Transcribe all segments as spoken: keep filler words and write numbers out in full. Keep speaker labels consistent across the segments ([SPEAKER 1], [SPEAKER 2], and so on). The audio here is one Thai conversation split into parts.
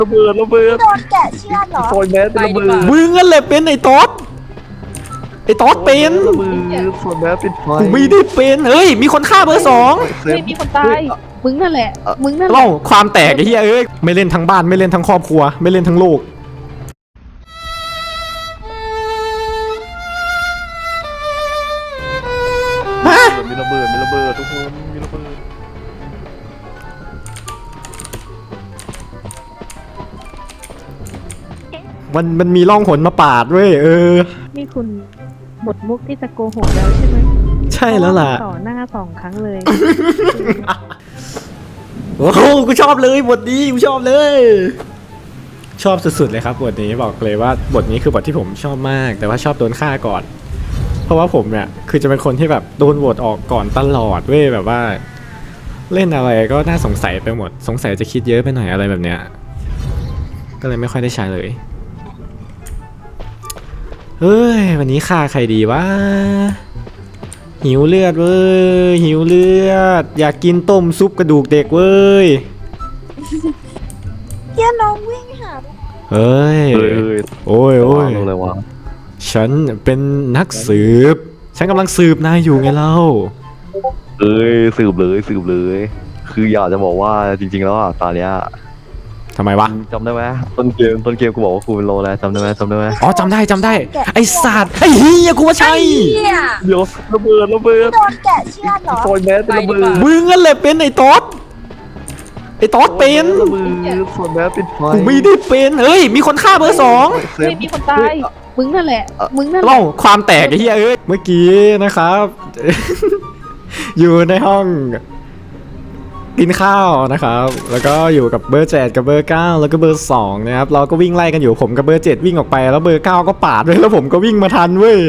[SPEAKER 1] ระเบิดระเบิด
[SPEAKER 2] โดนแกะเชือดเหรอ
[SPEAKER 1] ซอยแมสเป็นระเบิด
[SPEAKER 3] มึงนั่นแหละเป็นไอ้ต๊อดไอ้ต๊อดเป็น
[SPEAKER 1] ระเบิดซอยแมสเป็นไฟ
[SPEAKER 3] กูไม่ได้เป็นเฮ้ยมีคนฆ่าเบอร์สอง
[SPEAKER 4] ไม่มีคนตายมึงนั่นแหละมึงนั่นแหละ
[SPEAKER 3] เล่าความแตกไอ้เหี้ยเอ้ยไม่เล่นทั้งบ้านไม่เล่นทั้งครอบครัวไม่เล่นทั้งโลก
[SPEAKER 1] มีระเบิดมีระเบิดทุกคนมีระเบิด
[SPEAKER 3] มันมันมีร่องหนมาปาดเว้ยเออ
[SPEAKER 4] นี่คุณหมดมุกที่จะโกหกแล้วใช่ไหม
[SPEAKER 3] ใช่แล้วล่ะ
[SPEAKER 4] ต่อหน้าสองครั้งเลย
[SPEAKER 3] โอ้โหกูชอบเลยบทนี้กูชอบเลยชอบสุดๆเลยครับบทนี้บอกเลยว่าบทนี้คือบทที่ผมชอบมากแต่ว่าชอบโดนฆ่าก่อนเพราะว่าผมเนี่ยคือจะเป็นคนที่แบบโดนโหวตออกก่อนตลอดเว้ยแบบว่าเล่นอะไรก็น่าสงสัยไปหมดสงสัยจะคิดเยอะไปหน่อยอะไรแบบเนี้ยก็เลยไม่ค่อยได้ใช้เลยเฮ้ยวันนี้ฆ่าใครดีวะหิวเลือดเว้ยหิวเลือดอยากกินต้มซุปกระดูกเด็กเว้ย
[SPEAKER 2] เดี๋ยวน้องวิ่งหา
[SPEAKER 3] เฮ้ยโอ้ยโอ้ย
[SPEAKER 1] อะไรวะ
[SPEAKER 3] ฉันเป็นนักสืบฉันกำลังสืบนายอยู่ไงเล่า
[SPEAKER 1] เอ้ยสืบเลยสืบเลยคืออยากจะบอกว่าจริงๆแล้วอ่ะตอนเนี้ย
[SPEAKER 3] ทำไมวะ
[SPEAKER 1] จำได้ไหมต้นเกมต้นเกมกูบอกว่ากูเป็นโลแล้วจำได้ไหมจำได้ไหม
[SPEAKER 3] อ๋อจำได้จำได้ไอ้สัตว์ไอ้เฮียกูว่าใช่
[SPEAKER 1] เดี๋ยวระเบิดระเบิด
[SPEAKER 2] โดนแกะเชือดเหรอ
[SPEAKER 1] ซอยแมสเป็นระเบิด
[SPEAKER 3] มึงนั่นแหละเป็นไอ้ต๊อดไอ้ต๊อดเป็น
[SPEAKER 1] ระเบิดซอยแมสเป็นไฟ
[SPEAKER 3] กูไม่ได้เป็นเฮ้ยมีคนฆ่าเบอร์สอง
[SPEAKER 4] ไม่มีคนตายมึงนั่นแหละมึงนั่นแหละ
[SPEAKER 3] เล่าความแตกไอ้เฮียเอ้ยเมื่อกี้นะครับ อยู่ในห้องกินข้าวนะครับแล้วก็อยู่กับเบอร์เจ็ดกับเบอร์เก้าแล้วก็เบอร์สองนะครับเราก็วิ่งไล่กันอยู่ผมกับเบอร์เจ็ดวิ่งออกไปแล้วเบอร์เก้าก็ปาดเลยแล้วผมก็วิ่งมาทันเว้ย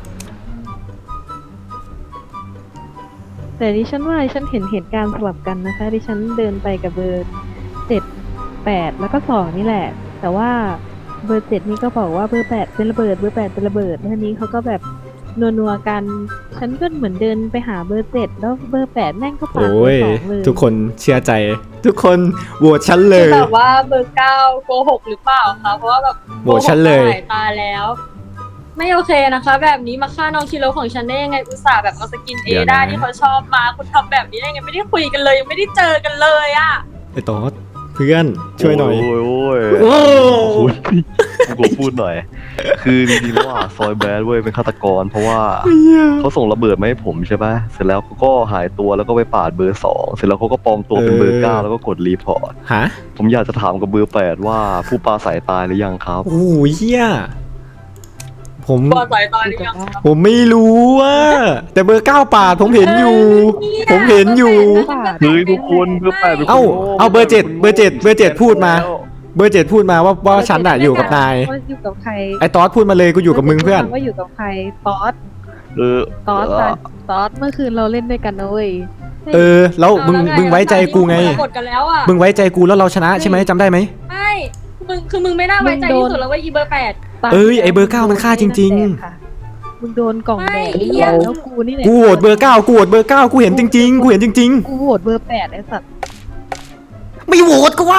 [SPEAKER 4] แต่ดิฉันว่าดิฉันเห็นเหตุการณ์สลับกันนะคะดิฉันเดินไปกับเบอร์เจ็ดแปดแล้วก็สองนี่แหละแต่ว่าเบอร์เจ็ดนี่ก็บอกว่าเบอร์แปดเป็นระเบิดเบอร์แปดเป็นระเบิดแล้วทีนี้เขาก็แบบนัวๆกันฉันก็เหมือนเดินไปหาเบอร์เจ็ดแล้วเบอร์แปดแม่งก็ปาดเบอร์สองเลย
[SPEAKER 3] ทุกคนเชื่อใจทุกคนโหวตฉันเลย
[SPEAKER 5] แบบว่าเบอร์เก้าโกหกหรือเปล่าคะเพราะว่าแบบ
[SPEAKER 3] โหวตฉันเลย
[SPEAKER 5] สายตาแล้วไม่โอเคนะคะแบบนี้มาฆ่าน้องชิโร่ของฉันได้ยังไงอุตส่าห์แบบเอาสกินเอได้ที่เขาชอบมาคุณทำแบบนี้ได้ยังไงไม่ได้คุยกันเลยยังไม่ได้เจอกันเลยอ่ะ
[SPEAKER 3] ไอ้ต๊อดเพื่อนช่วยหน่อย
[SPEAKER 1] โอ้ยโอ้ย
[SPEAKER 3] โอ้
[SPEAKER 1] กูพูดหน่อยคือจริงๆแล้วอ่ะซอยแบดเว้ยเป็นฆาตกรเพราะว่าเขาส่งระเบิดมาให้ผมใช่ปะเสร็จแล้วเขาก็หายตัวแล้วก็ไปปาดเบอร์สองเสร็จแล้วเขาก็ปลอมตัวเป็นเบอร์เก้าแล้วก็กดรีพอร์ต
[SPEAKER 3] ฮะ
[SPEAKER 1] ผมอยากจะถามกับเบอร์แปดว่าผู้ปลาสายตายหรือยังครับ
[SPEAKER 3] โอ้ยเฮียผม
[SPEAKER 5] ปลาสายตายหรือยัง
[SPEAKER 3] ผมไม่รู้ว่าแต่เบอร์เก้าปาดผมเห็นอยู่ผมเห็นอยู่
[SPEAKER 1] เฮ้ยทุกคนเบอร์แปด
[SPEAKER 3] เอ้าเอาเบอร์เจ็ดเบอร์เจ็ดเบอร์เจ็ดพูดมาเบอร์เจ็ดพูดมาว่าว่าฉันอะอยู่กับนาย
[SPEAKER 4] อยู่กับใคร
[SPEAKER 3] ไอ้ต๊อดพูดมาเลยกูอยู่กับมึงเพื่อน
[SPEAKER 4] ว่าอยู่กับใครต๊อด
[SPEAKER 1] เออ
[SPEAKER 4] ต๊อดต๊อดเมื่อคืนเราเล่นด้วยกันนะเว้ย
[SPEAKER 3] เออแล้วมึงมึงไว้ใจกูไงมึงไว้ใจกูแล้วเราชนะใช่ไหมจำได้ไหม
[SPEAKER 5] ไม่มึงคือมึงไม่น่าไว้ใจที่สุดแล้วว่าอีเบอร์แปด
[SPEAKER 3] เอ้ยไอเบอร์เก้ามันฆ่าจริงๆ
[SPEAKER 4] มึงโดนกล่องแดงแล้วกูนี่แหละ
[SPEAKER 3] กูโหวตเบอร์เก้ากูโหวตเบอร์เก้ากูเห็นจริงๆกูเห็นจริง
[SPEAKER 4] ๆกูโหวตเบอร์แปดไอ้สัตว์
[SPEAKER 3] ไม่โหวตกูวะ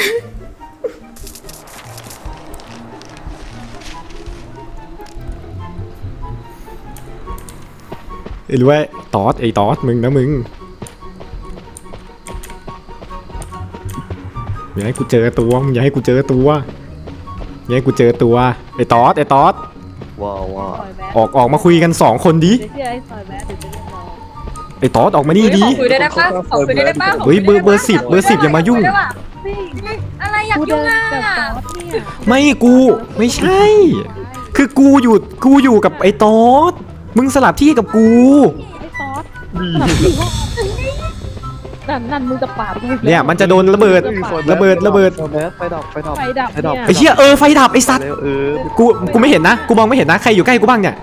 [SPEAKER 3] ไอ้รู้ว่าตอสไอ้ตอสมึงนะมึงอย่าให้กูเจอตัวมึงอย่าให้กูเจอตัวอย่าให้กูเจอตัวไอ้ตอสไอ้ตอส
[SPEAKER 1] ว้าวว้า
[SPEAKER 3] ออกออกมาคุยกันสองคนดิไอ้ตอสออกมานี่ดิ
[SPEAKER 5] คุยได้ได้ป่ะขอคุยได้ได้ป่ะ
[SPEAKER 3] เฮ้ยเบอร์เบอร์สิบเบอร์สิบอย่ามายุ่ง
[SPEAKER 5] อะไรอยากยุ่งอ่ะ
[SPEAKER 3] ไม่กูไม่ใช่คือกูอยู่กูอยู่กับไอ้ตอสมึงสลับที่กับกู
[SPEAKER 4] ไอ้ตอสนั่นนั่นมึงจะปาด
[SPEAKER 3] เนี่ยมันจะโดนระเบิดระเบิดระเบิด
[SPEAKER 1] ไฟดับไฟดับ
[SPEAKER 4] ไฟดับไฟดับ
[SPEAKER 3] ไอ้เหี้ยเออไฟดับไอ้สัตว์กูกูไม่เห็นนะกูมองไม่เห็นนะใครอยู่ใกล้กูบ้างเนี่ย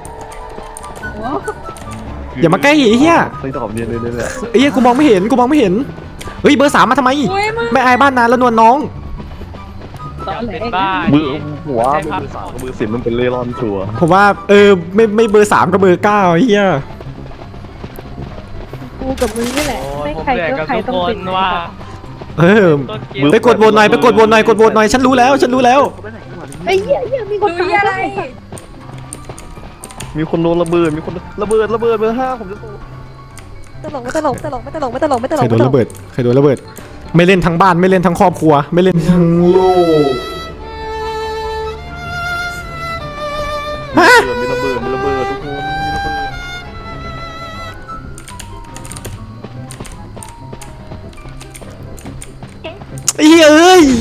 [SPEAKER 3] อย่ามาใกล้ไอ้เหี้ย
[SPEAKER 1] ไฟดับเนี่ยเลยเลย
[SPEAKER 3] ไอ้เหี้ยกูมองไม่เห็นกูมองไม่เห็นเฮ้ยเบอร์สามมาทำไมไม่อายบ้านนานแล้วนวลน้อง
[SPEAKER 1] มือหัวเบอร์สามกับเบอร์สิบมันเป็นเล่ร่อนชัวร์
[SPEAKER 3] ผมว่าเออไม่ไม่เบอร์สามกับเบอร์เก้าไอ้เหี้ย
[SPEAKER 4] กูกับมึงนี่แหละไม่ใครก็ใครต้องเป็นว่า
[SPEAKER 3] เออไปกดโหวตหน่อยไปกดโหวตหน่อยกดโหวตหน่อยฉันรู้แล้วฉันรู้แล้ว
[SPEAKER 4] ไอ้เหี้ยเหี้ยมีคน
[SPEAKER 5] ดูอะไร
[SPEAKER 1] มีคนโดนระเบิดมีคนระเบิดระเบิดเบอร์ห้าผมจะ
[SPEAKER 2] ตลกไม่ตลกไม่ตลกไม่ตลกไม่ตลกไม่ตล
[SPEAKER 3] ใคร
[SPEAKER 2] ก
[SPEAKER 3] โดนระเบิดใครโดนระเบิด ไม่เล่นทั้งบ้านไม่เล่นทั้งครอบครัว ไม่เล่นทั้งโลกฮะ
[SPEAKER 1] มีระเบิดมีระเบิดทุกคนมีระเบิด
[SPEAKER 3] ไอ้เหี้ยเอ้ย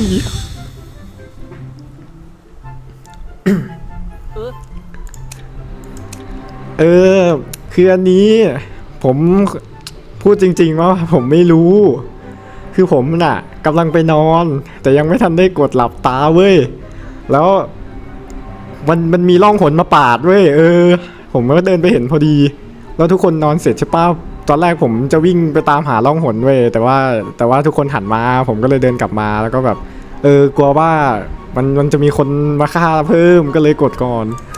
[SPEAKER 3] เออคืออันนี้ผมพูดจริงๆว่าผมไม่รู้ คือผมน่ะกำลังไปนอน แต่ยังไม่ทันได้กดหลับตาเว้ยแล้วมันมันมีร่องหนมาปาดเว้ยเออ ผมก็เดินไปเห็นพอดี แล้วทุกคนนอนเสร็จใช่ป่ะตอนแรกผมจะวิ่งไปตามหาร่องหนเว้ยแต่ว่าแต่ว่าทุกคนหันมา ผมก็เลยเดินกลับมาแล้วก็แบบ เออกลัวว่ามันมันจะมีคนมาฆ่าเพิ่มก็เลยกดก่อน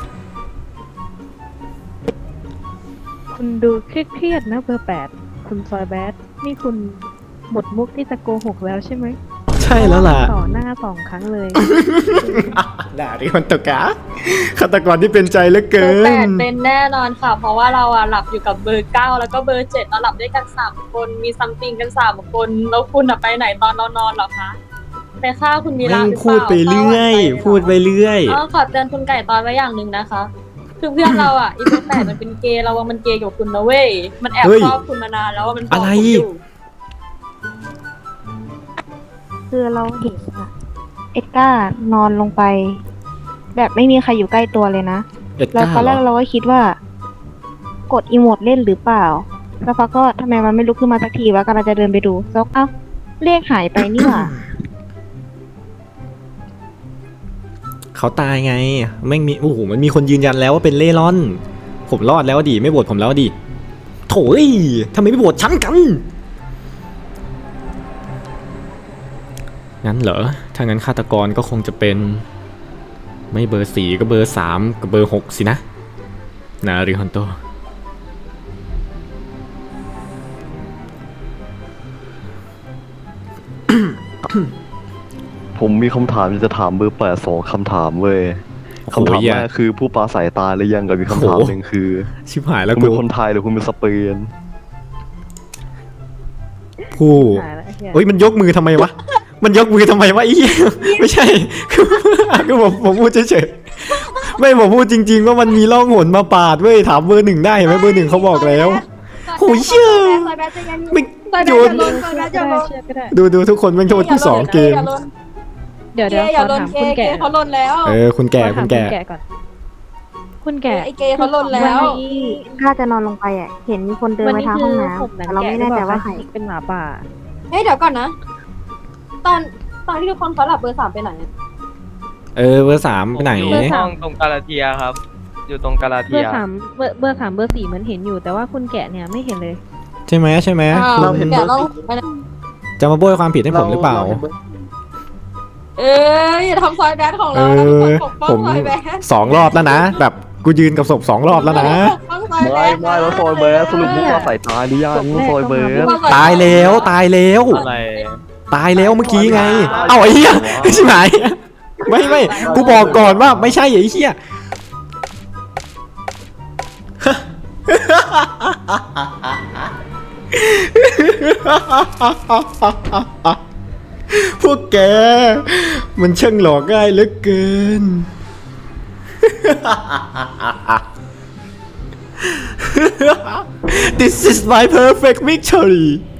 [SPEAKER 4] คุณดูเครียดๆนะเบอร์แปดคุณซอยแบดนี่คุณหมดมุกที่จะโกหกแล้วใช่ไหม
[SPEAKER 3] ใช่แล้วล่ะ
[SPEAKER 4] ต่อหน้าสองครั้งเลย
[SPEAKER 3] ด่าดิคนตกะฆาตกรที่เป็นใจเหลือ
[SPEAKER 5] เบ
[SPEAKER 3] เกิ
[SPEAKER 5] อร์แปด
[SPEAKER 3] น
[SPEAKER 5] เป็นแน่นอนค่ะ เพราะว่าเราอะหลับอยู่กับเบอร์เก้าแล้วก็เบอร์เจ็ดเราหลับด้วยกันสามคนมีซัมติงกันสามคนแล้วคุณอะไปไหนตอนเรานอนเหรอคะไปฆ่าคุณมีรา
[SPEAKER 3] แม่ง
[SPEAKER 5] หรือเปล่า
[SPEAKER 3] พูดไปเรื่อย พูดไปเรื่อย
[SPEAKER 5] อ๋อขอเตือนคุณไก่ตอนไว้อย่างหนึ่งนะคะ คือเพื่อนเราอ่ะ อีเบอร์แปดมันเป็นเกย์เราว่ามันเกย์กับคุณนะเว้ยมันแอบ
[SPEAKER 3] เฮ้ย
[SPEAKER 5] ชอบคุณมานานแล้วว่ามันบอก
[SPEAKER 3] อะไร
[SPEAKER 5] คุณอยู่
[SPEAKER 2] คือเราเห็นอะเอ็ดก้านอนลงไป แบบไม่มีใครอยู่ใกล้ตัวเลยนะ
[SPEAKER 3] เอ็ด
[SPEAKER 2] แล้ว
[SPEAKER 3] ก้า
[SPEAKER 2] ตอน
[SPEAKER 3] เห
[SPEAKER 2] แร
[SPEAKER 3] ร
[SPEAKER 2] ก
[SPEAKER 3] อ
[SPEAKER 2] เราก็คิดว่า กดอีโมดเล่นหรือเปล่าแล้วพักก็ทำไมมันไม่ลุกขึ้นมาสักทีวะกำลังจะเดินไปดูซกเอ้าเลขหายไปนี่หว่า
[SPEAKER 3] เขาตายไงแม่งมีโอ้โหมันมีคนยืนยันแล้วว่าเป็นเล่ร่อน ผมรอดแล้วดิไม่โหวตผมแล้วดิโถ่เอ้ยทำไมไม่โหวตฉันกันงั้นเหรอถ้างั้นฆาตกรก็คงจะเป็น ไม่เบอร์สี่ก็เบอร์สามกับเบอร์หกสินะนาริฮันโต
[SPEAKER 1] ผมมีคำถามจะถามเบอร์แปดสองคำถามเว้ย
[SPEAKER 3] โอ้โห
[SPEAKER 1] คำถาม
[SPEAKER 3] เหี้ย
[SPEAKER 1] แรกคือผู้ปราศัยตายหรือยังกับมีคำถาม
[SPEAKER 3] โอ้โห
[SPEAKER 1] หนึ่งคือ
[SPEAKER 3] ชิบหายแล้ว
[SPEAKER 1] คุณ
[SPEAKER 3] กู
[SPEAKER 1] เป็นคนไทยหรือคุณเป็นสเปน
[SPEAKER 3] ผู้
[SPEAKER 4] หายแล้วไอ้เหี้ย
[SPEAKER 3] เฮ้ยมันยกมือทำไมวะ มันยกมือทำไมวะไอ้เหี้ยไม่ใช่ คือคือผมผมพูดเฉยๆไม่ผมพูดจริงๆว่ามันมีร่องหนมาปาดเว้ยถามเบอร์หนึ่งได้เห็นไหมเบอร์หนึ่งเขาบอกแล้วโหเชื่อไม่โยน
[SPEAKER 5] ซอยแบดอย่าลน
[SPEAKER 4] เชื่อก็ได้
[SPEAKER 3] ดูดูทุกคนแม่งโทษกูสองเกม
[SPEAKER 4] เดี๋ยว
[SPEAKER 5] เก
[SPEAKER 4] เดี๋ยว
[SPEAKER 5] ย์
[SPEAKER 4] ข
[SPEAKER 5] อย่า
[SPEAKER 4] อ
[SPEAKER 5] ลน
[SPEAKER 4] ถาม
[SPEAKER 5] เก
[SPEAKER 4] คุณ
[SPEAKER 5] ย์เก
[SPEAKER 4] แก่
[SPEAKER 5] ย์เขาลนแล้ว
[SPEAKER 3] เออคุณแก่
[SPEAKER 4] ขอถาม
[SPEAKER 3] คุณแก่
[SPEAKER 4] คุณแก่ก่อน คุณแก่
[SPEAKER 5] ไอเกย์เขาลนแล้ว
[SPEAKER 4] วันนี้
[SPEAKER 2] ก้าจะนอนลงไปอ่ะ เห็นมีคนเดิน
[SPEAKER 4] วัน
[SPEAKER 2] ไป
[SPEAKER 4] นี้
[SPEAKER 2] ทาง
[SPEAKER 4] คื
[SPEAKER 2] ห้อง
[SPEAKER 4] อ
[SPEAKER 2] น้
[SPEAKER 4] ผมห
[SPEAKER 2] ำ
[SPEAKER 4] นัง
[SPEAKER 2] แต่เรา
[SPEAKER 4] แกะ
[SPEAKER 2] ไม่
[SPEAKER 4] หรื
[SPEAKER 2] แน่
[SPEAKER 4] อเป
[SPEAKER 2] ใจ
[SPEAKER 4] ล่า
[SPEAKER 2] ว่า
[SPEAKER 4] คะ
[SPEAKER 2] ใคร
[SPEAKER 4] ที่เป็นหมาป่า
[SPEAKER 5] เฮ้ยเดี๋ยวก่อนนะ ตอนตอนที่ทุกคนเขาหลับเบอร์สามไปไหนอะ
[SPEAKER 3] เออเบอร์สามไปไหน
[SPEAKER 6] อยู่ห้องตรงกาลาเทียครับ อยู่ตรงกาลา
[SPEAKER 4] เบ
[SPEAKER 6] เที
[SPEAKER 4] อย ร์สามเบอร์เบอร์สามเบอร์สี่เหมือนเห็นอยู่ แต่ว่าคุณแกะเนี่ยไม่เห็นเลย
[SPEAKER 3] ใช่ไหมใช่ไหม
[SPEAKER 5] อ้าว
[SPEAKER 3] คุณ
[SPEAKER 5] แกะเราไปไหน
[SPEAKER 3] จะมาโบยความผิดให้ผมหรือเปล่า
[SPEAKER 5] เอ้ยอย่าทำซอยแบดของ
[SPEAKER 3] เอ
[SPEAKER 5] เรานะทุกคน
[SPEAKER 3] อ
[SPEAKER 5] ปกป้อง
[SPEAKER 3] ผม
[SPEAKER 5] ซอยแบด
[SPEAKER 3] สองรอบแล้วนะ แบบกูยืนกับศพสองรอบแล้วนะ
[SPEAKER 5] ปกป้องซอยแบ
[SPEAKER 1] ไม่
[SPEAKER 5] ด
[SPEAKER 1] ไม่แล้วซอยเบสสรุปผู้ปราศัยตายหรือยังซอยเบส
[SPEAKER 3] ตายแล้วตายแล้ว
[SPEAKER 6] อะไร
[SPEAKER 3] ตายแล้วเมื่อกี้ไง เอ้าไอ้เหี้ยใช่ไหมไม่ไม่กูบอกก่อนว่าไม่ใช่ไอ้เหี้ยพวกแก มันช่างหลอกง่ายเหลือเกิน This is my perfect victory